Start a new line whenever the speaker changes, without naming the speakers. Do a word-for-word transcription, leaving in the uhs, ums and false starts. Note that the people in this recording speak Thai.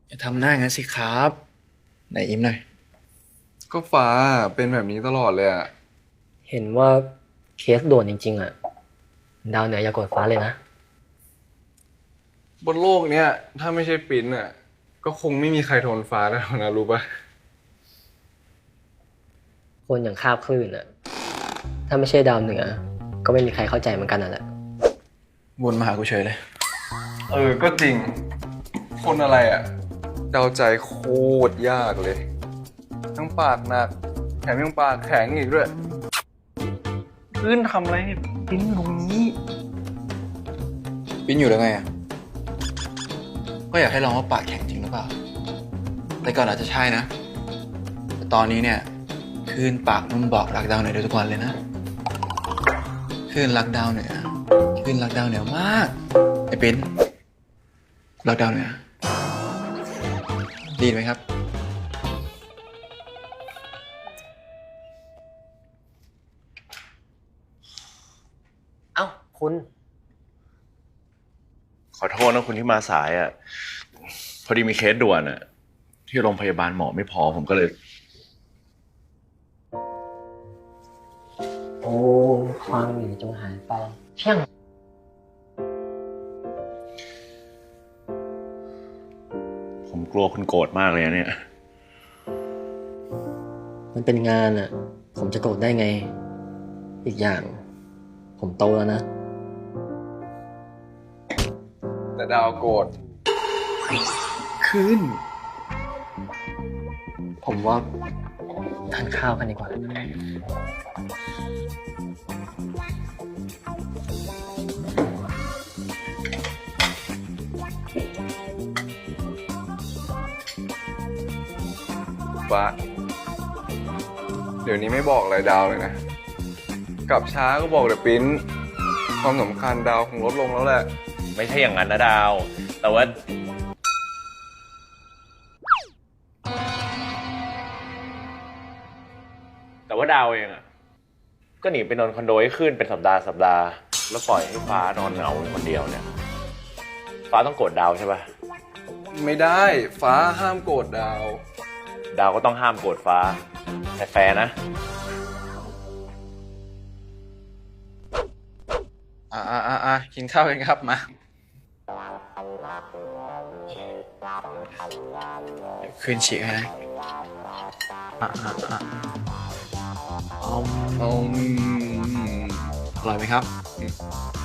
อย่าทำหน้างั้นสิครับไหนยิ้มหน่อย
ก็ฟ้าเป็นแบบนี้ตลอดเลยอะ
เห็นว่าเคสด่วนจริงๆอ่ะดาวเหนืออย่ากดฟ้าเลยนะ
บนโลกเนี้ยถ้าไม่ใช่ปิ้นอะก็คงไม่มีใครทนฟ้าได้หรอกนะรู้ปะ
คนอย่างคาบคลื่นอ่ะถ้าไม่ใช่ดาวเหนือก็ไม่มีใครเข้าใจเหมือนกันน่ะแหละ
วนมาหากูเฉยเลย
เออก็จริง คนอะไรอะเดาใจโคตรยากเลย ทั้งปากหนักแถมยังปากแข็งอีกด้วยพื้นทำอะไรให้ปิ้นตรงนี้
ปิ้นอยู่แล้วไงอ่ะก็อยากให้ลองว่าปากแข็งจริงหรือเปล่าแต่ก่อนอาจจะใช่นะแต่ตอนนี้เนี่ยคลื่นปากนุ่มบอกรักดาวเหนือได้ทุกวันเลยนะคลื่นรักดาวเหนือคลื่นรักดาวเหนือมากไอ้ปิ้นรักดาวเหนือดีไหมครับ
เอ้าคุณ
ขอโทษนะคุณที่มาสายอ่ะ พอดีมีเคสด่วนอ่ะ ที่โรงพยาบาลหมอไม่พอผมก็เลย
โอ้ความหนีจงหายไปเพียง
ผมกลัวคุณโกรธมากเลยนะเนี่ย
มันเป็นงานอ่ะ ผมจะโกรธได้ไง อีกอย่าง ผมโตแล้วนะ
แต่ดาวโกรธขึ้น
ผมว่าทานข้าวกันดีกว่า
ฟ้าเดี๋ยวนี้ไม่บอกอะไรดาวเลยนะ กลับช้าก็บอกแต่ปิ้น ความสำคัญดาวคงลดลงแล้วแหละ
ไม่ใช่อย่างนั้นนะดาว แต่ว่า แต่ว่าดาวเองอ่ะ ก็หนีไปนอนคอนโดให้ขึ้นเป็นสัปดาห์สัปดาห์ แล้วปล่อยให้ฟ้านอนเหงาอยู่คนเดียวเนี่ย ฟ้าต้องโกรธดาวใช่ปะ
ไม่ได้ฟ้าห้ามโกรธดาว
ดาวก็ต้องห้ามโกรธฟ้า แต่แฟร์นะ
อ่าอ่าอ่าอ่ากินข้าวกันครับมาเดี๋ยวคืนฉีกให้นะอ่าอ่าอ่าอม
อืม
อร่อยไหมครับ
อ